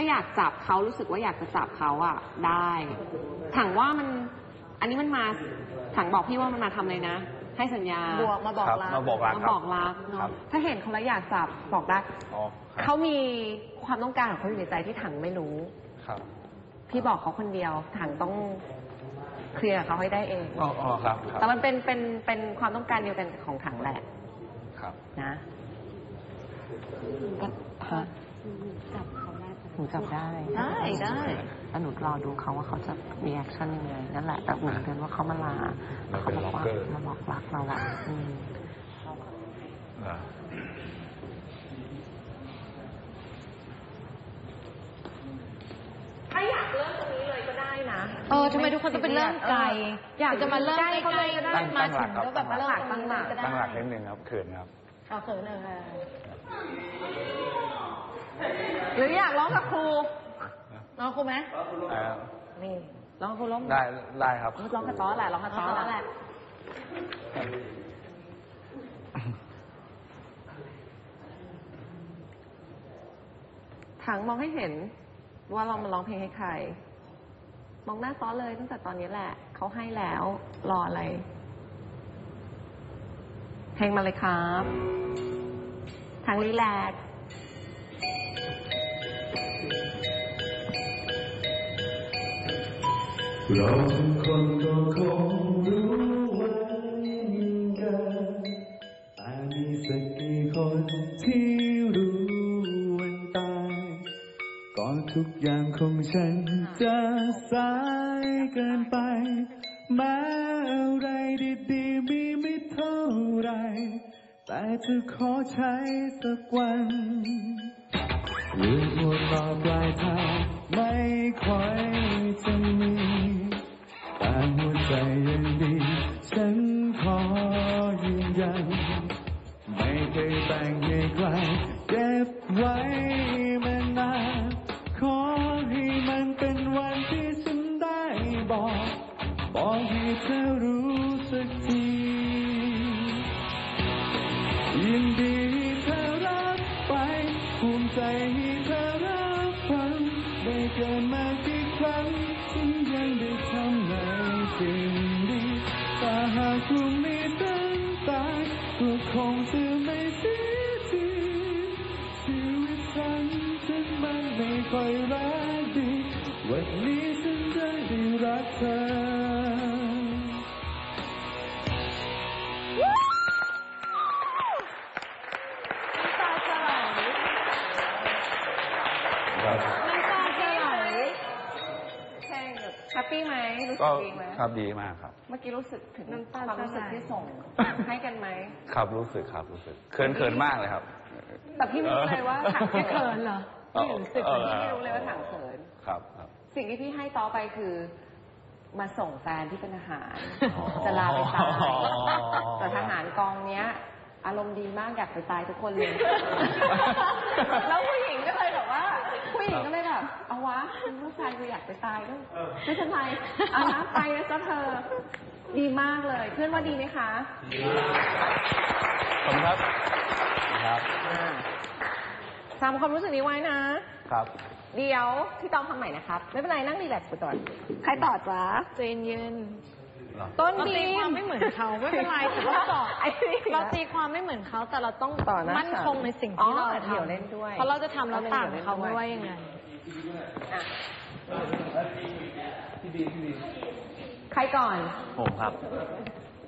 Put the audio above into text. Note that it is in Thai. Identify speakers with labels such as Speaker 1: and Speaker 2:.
Speaker 1: อยากจับเขารู้สึกว่าอยากจะจับเขาอ่ะได้ถังว่ามันอันนี้มันมาถังบอกพี่ว่ามันมาทำอะไรนะให้สัญญา
Speaker 2: มาบอกรัก
Speaker 1: มาบอกรักเนาะถ้าเห็นเขาแล้วอยากจับบอกได้เขามีความต้องการของเขาอยู่ในใจที่ถังไม่รู้พี่บอกเขาคนเดียวถังต้องเคลียร์เขาให้ได้เอง
Speaker 3: ครับ
Speaker 1: แต่มันเป็นความต้องการเดียวกันของถังแหละ
Speaker 3: ครับ
Speaker 1: นะฮะจับเขาได้หนูจับได้แล้วหนูรอดูเขาว่าเขาจะรีแอคชั่นยังไงนั่นแหละแต่หนูเตือนว่าเขามาลาเขาบอกว่ามาบอกรักเราอ่ะถ้าอยากเริ่มตรงนี้เลยก็ได้นะ
Speaker 2: ทำไมทุกคนต้องเป็นเริ่มไกลอยากจะมาเริ่มใกล้ก็ได้มาถึงแล้วแบบมาเริ่มตั้งหลัก
Speaker 3: นิดนึงครับเขินครับ
Speaker 2: เขินเลย
Speaker 1: หรืออยากร้องกับครู
Speaker 2: ร้องครูไหม
Speaker 1: นี่ร้องครูร้อง
Speaker 3: ได้ครับ
Speaker 1: ร้องกระต้อแหละร้องกระต้อแหละถังมองให้เห็นว่าเรามาร้องเพลงให้ใครมองหน้าซ้อเลยตั้งแต่ตอนนี้แหละเขาให้แล้วรออะไรเพลงมาเลยครับถังรีแลกซ์
Speaker 4: เราทุกคนก็คงรู้เหมือนกันแต่มีสักกี่คนที่รู้วันตายก่อนทุกอย่างของฉันจะสายเกินไปแม้อะไรดีๆมีไม่เท่าไรแต่จะขอใช้สักวันเรื่องหัวต่อปลายทางไม่ค่อยจะมีแต่หัวใจยังดีฉันขอยืนยันไม่เคยแบ่งให้ใครเก็บไว้มานานขอให้มันเป็นวันที่ฉันได้บอกให้เธอรู้สักทียินดีเธอรับไปภูมิใจให้เธอรับฟังได้เกิดมากี่ครั้งฉันยังได้ทำในสิ่งดีแต่หากพรุ่งนี้ฉันตายก็คงจะไม่เสียทีชีวิตฉันมันไม่ค่อยรักดีวันนี้ฉันได้รักเธอ
Speaker 1: แฮปปี้ไหมรู้สึกดีไหม
Speaker 3: ครับดีมากครับ
Speaker 1: เมื่อกี้รู้สึกถึงความรู้สึกที่ส่งให้กันไหม
Speaker 3: ครับรู้สึกเขินมากเลยครับ
Speaker 1: แต่พี่ไม่รู้เลยว่าถังจะเขินเหรอพี่รู้สึกพี่ไม่รู้เลยว่าถังเขิน
Speaker 3: ครับ
Speaker 1: สิ่งที่พี่ให้ต่อไปคือมาส่งแฟนที่เป็นทหารจะลาไปตายแต่ทหารกองเนี้ยอารมณ์ดีมากอยากไปตายทุกคนเลยแล้วผู้หญิงก็เลยแบบว่าผู้หญิงก็เลยแบบเอาวะผู้ชายกูอยากไปตายก็ไม่เป็นไรเอานะไปนะจ๊ะเธอดีมากเลยเพื่อนว่าดีไหมคะ
Speaker 3: ขอบคุณครับ
Speaker 1: ทำความรู้สึกนี้ไว้นะครับเดี๋ยวพี่ต้องทำใหม่นะครับไม่เป็นไรนั่งรีแลกซ์ไปก่อนใครต่อจ๊ะ
Speaker 2: เจนยืน
Speaker 1: ต้น
Speaker 2: บีมความไม่เหมือนเขาไม่เป็นไรแต่เราต่อเราตีความไม่เหมือนเขาแต่เราต้องมั่นคงในสิ่งที่เราทำเพราะเราจะทำเราต่างเขาไม่ว่ายังไง
Speaker 1: ใครก่อน
Speaker 3: ผมครับ